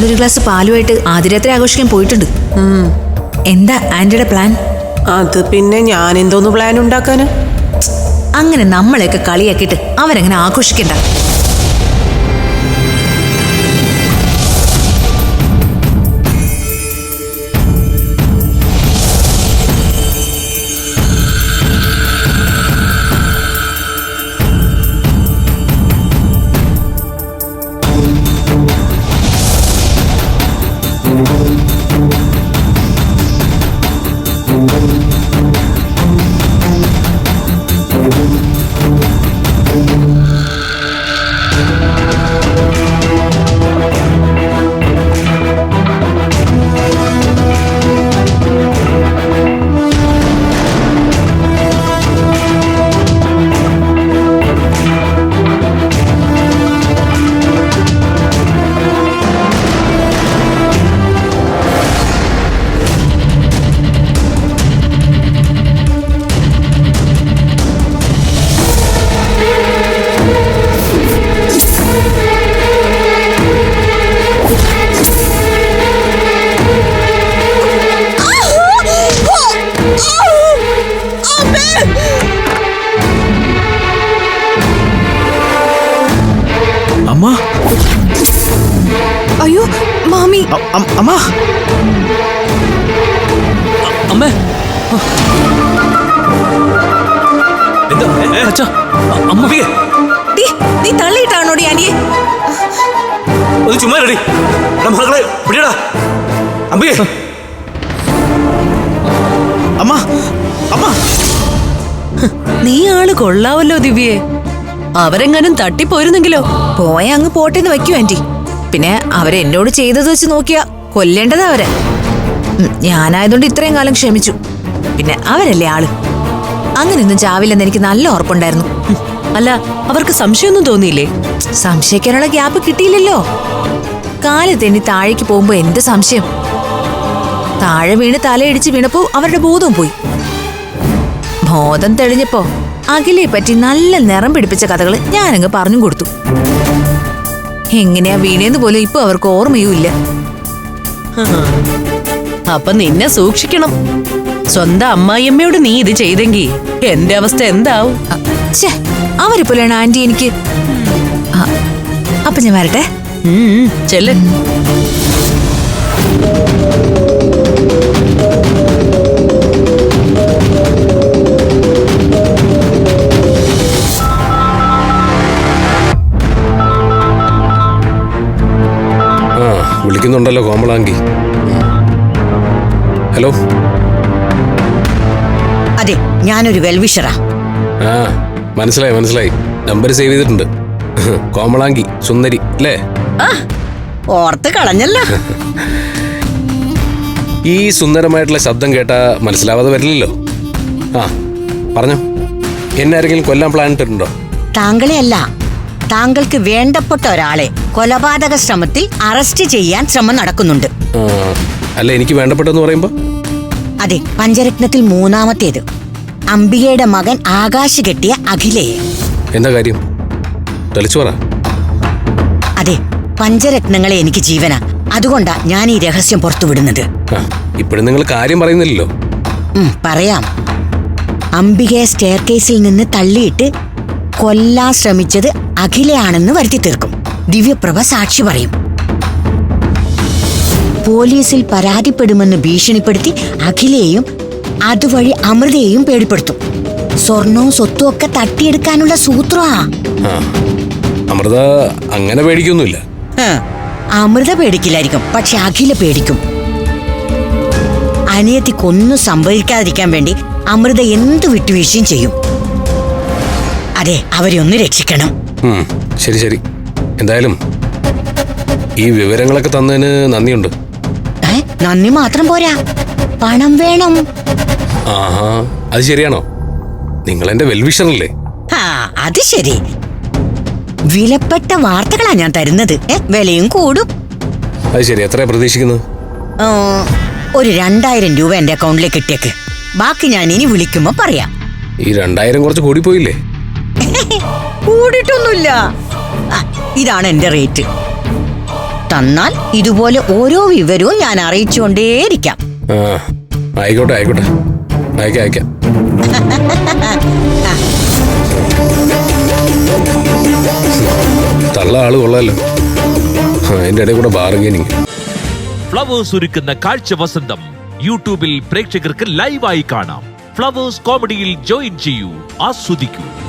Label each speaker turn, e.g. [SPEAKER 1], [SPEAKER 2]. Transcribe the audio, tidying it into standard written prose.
[SPEAKER 1] ഞങ്ങളൊരു ഗ്ലാസ് പാലുമായിട്ട് ആദ്യരാത്രി ആഘോഷിക്കാൻ പോയിട്ടുണ്ട്. എന്താ ആന്റിയുടെ പ്ലാൻ?
[SPEAKER 2] അത് പിന്നെ ഞാൻ എന്തോന്ന് പ്ലാൻ ഉണ്ടാക്കാന്?
[SPEAKER 1] അങ്ങനെ നമ്മളെയൊക്കെ കളിയാക്കിയിട്ട് അവരങ്ങനെ ആഘോഷിക്കണ്ട.
[SPEAKER 3] അയ്യോ മാമി,
[SPEAKER 4] അമ്മ,
[SPEAKER 5] അമ്മേ, അമ്മയെ
[SPEAKER 1] നീ തള്ളിയിട്ടാണോടി ആന്റിയെ?
[SPEAKER 5] ഒന്ന് ചുമ്മാ റെഡി മകളെ പിടിയടാ അമ്മയെ.
[SPEAKER 4] അമ്മ, അമ്മ,
[SPEAKER 3] നീ ആള് കൊള്ളാവല്ലോ ദിവ്യേ. അവരെങ്ങാനും തട്ടിപ്പോയിരുന്നെങ്കിലോ?
[SPEAKER 1] പോയ അങ്ങ് പോട്ടെന്ന് വെക്കൂ ആന്റി. പിന്നെ അവരെന്നോട് ചെയ്തത് വെച്ച് നോക്കിയാ കൊല്ലേണ്ടതാ അവരെ. ഞാനായതുകൊണ്ട് ഇത്രയും കാലം ക്ഷമിച്ചു. പിന്നെ അവരല്ലേ ആള്. അങ്ങനെയൊന്നും ചാവില്ലെന്ന് എനിക്ക് നല്ല ഉറപ്പുണ്ടായിരുന്നു.
[SPEAKER 3] അല്ല, അവർക്ക് സംശയമൊന്നും തോന്നിയില്ലേ?
[SPEAKER 1] സംശയിക്കാനുള്ള ഗ്യാപ്പ് കിട്ടിയില്ലല്ലോ. കാല് തെന്നി താഴേക്ക് പോകുമ്പോ എന്ത് സംശയം? താഴെ വീണ് തലയിടിച്ച് വീണപ്പോ അവരുടെ ബോധവും പോയി. ബോധം തെളിഞ്ഞപ്പോ അഖിലയെ പറ്റി നല്ല നിറം പിടിപ്പിച്ച കഥകള് ഞാനങ്ങ് പറഞ്ഞു കൊടുത്തു. എങ്ങനെയാ വീണേന്ന് പോലും ഇപ്പൊ അവർക്ക് ഓർമ്മയുമില്ല.
[SPEAKER 3] അപ്പൊ നിന്നെ സൂക്ഷിക്കണം. സ്വന്തം അമ്മായിയമ്മയോട് നീ ഇത് ചെയ്തെങ്കി എന്റെ അവസ്ഥ എന്താവും?
[SPEAKER 1] അവരിപ്പോലാണ് ആന്റി എനിക്ക്. അപ്പൊ ഞാൻ വരട്ടെ.
[SPEAKER 3] ചെല്ല്.
[SPEAKER 6] വിളിക്കുന്നുണ്ടല്ലോ കോമളാങ്കി. ഹലോ.
[SPEAKER 7] അതെ, ഞാനൊരു വെൽവിഷറാ.
[SPEAKER 6] മനസ്സിലായി മനസ്സിലായി. നമ്പർ സേവ് ചെയ്തിട്ടുണ്ട്. കോമളാങ്കി സുന്ദരി അല്ലേ?
[SPEAKER 7] ഓർത്ത് കളഞ്ഞല്ലോ.
[SPEAKER 6] ഈ സുന്ദരമായിട്ടുള്ള ശബ്ദം കേട്ടാ മനസ്സിലാവാതെ വരില്ലല്ലോ. പറഞ്ഞോ, എന്നെ ആരെങ്കിലും കൊല്ലാൻ പ്ലാൻ ഇട്ടിട്ടുണ്ടോ?
[SPEAKER 7] താങ്കളെ അല്ല, താങ്കൾക്ക് വേണ്ടപ്പെട്ട ഒരാളെ കൊലപാതക ശ്രമത്തിൽ അറസ്റ്റ് ചെയ്യാൻ ശ്രമം നടക്കുന്നുണ്ട്.
[SPEAKER 6] അല്ല, എനിക്ക് വേണ്ടപ്പെട്ടെന്ന് പറയുമ്പോ?
[SPEAKER 7] അതെ, പഞ്ചരത്നത്തിൽ മൂന്നാമത്തേത്. അംബികയുടെ മകൻ ആകാശ് കെട്ടിയ അഖിലയെ.
[SPEAKER 6] എന്താ കാര്യം? തെളിച്ചു പറ.
[SPEAKER 7] അതെ, പഞ്ചരത്നങ്ങളെ എനിക്ക് ജീവനാ. അതുകൊണ്ടാ ഞാൻ ഈ രഹസ്യം പുറത്തുവിടുന്നത്.
[SPEAKER 6] ഇപ്പോഴും നിങ്ങൾ കാര്യം പറയുന്നില്ലല്ലോ.
[SPEAKER 7] പറയാം. അംബികയെ സ്റ്റെയർ കേസിൽ നിന്ന് തള്ളിയിട്ട് കൊല്ലാൻ ശ്രമിച്ചത് അഖിലയാണെന്ന് വരുത്തി തീർക്കും. ദിവ്യപ്രഭ സാക്ഷി പറയും. പോലീസിൽ പരാതിപ്പെടുമെന്ന് ഭീഷണിപ്പെടുത്തി അഖിലയെയും അതുവഴി അമൃതയെയും പേടിപ്പെടുത്തും. സ്വർണവും സ്വത്തും ഒക്കെ തട്ടിയെടുക്കാനുള്ള സൂത്രമാ.
[SPEAKER 6] അമൃത അങ്ങനെ പേടിക്കൊന്നുമില്ല.
[SPEAKER 7] അമൃത പേടിക്കില്ലായിരിക്കും, പക്ഷെ അഖില പേടിക്കും. അനിയത്തിക്കൊന്നും സംഭവിക്കാതിരിക്കാൻ വേണ്ടി അമൃത എന്ത് വിട്ടുവീഴ്ചയും ചെയ്യും. അതെ, അവരെ ഒന്ന് രക്ഷിക്കണം.
[SPEAKER 6] ശരി ശരി. എന്തായാലും ഈ വിവരങ്ങളൊക്കെ തന്നതിന് നന്ദിയുണ്ട്.
[SPEAKER 7] നന്ദി മാത്രം പോരാ, പണം വേണം.
[SPEAKER 6] അത് ശരിയാണോ? നിങ്ങൾ എന്റെ വെൽവിഷറല്ലേ?
[SPEAKER 7] അത് ശരി. വിലപ്പെട്ട വാർത്തകളാ ഞാൻ തരുന്നത്. വിലയും കൂടും.
[SPEAKER 6] അത് ശരി. എത്രയാ പ്രതീക്ഷിക്കുന്നത്?
[SPEAKER 7] ഒരു 2000 രൂപ എന്റെ അക്കൗണ്ടിലേക്ക് ഇട്ടേക്ക്. ബാക്കി ഞാൻ ഇനി വിളിക്കുമ്പോ പറയാം.
[SPEAKER 6] ഈ 2000 കുറച്ച് കൂടിപ്പോയില്ലേ?
[SPEAKER 7] കൂടിയിട്ടൊന്നുമില്ല. ഇതാണ് എന്റെ റേറ്റ്. തന്നാൽ ഇതുപോലെ ഓരോ വിവരവും ഞാൻ അറിയിച്ചുകൊണ്ടേയിരിക്കാം.
[SPEAKER 6] ആ ആയിക്കോട്ടെ ആയിക്കോട്ടെ, അയക്കാം അയക്കാം. തള്ള ആള് കൊള്ളാലോ. അതിന്റെ ഇടയിൽ കൂടെ ബാർഗൈനിങ്.
[SPEAKER 8] ഫ്ലവേഴ്സ് ഒരുക്കുന്ന കാഴ്ച വസന്തം യൂട്യൂബിൽ പ്രേക്ഷകർക്ക് ലൈവായി കാണാം. ഫ്ലവേഴ്സ് കോമഡിയിൽ ജോയിൻ ചെയ്യൂ, ആസ്വദിക്കൂ.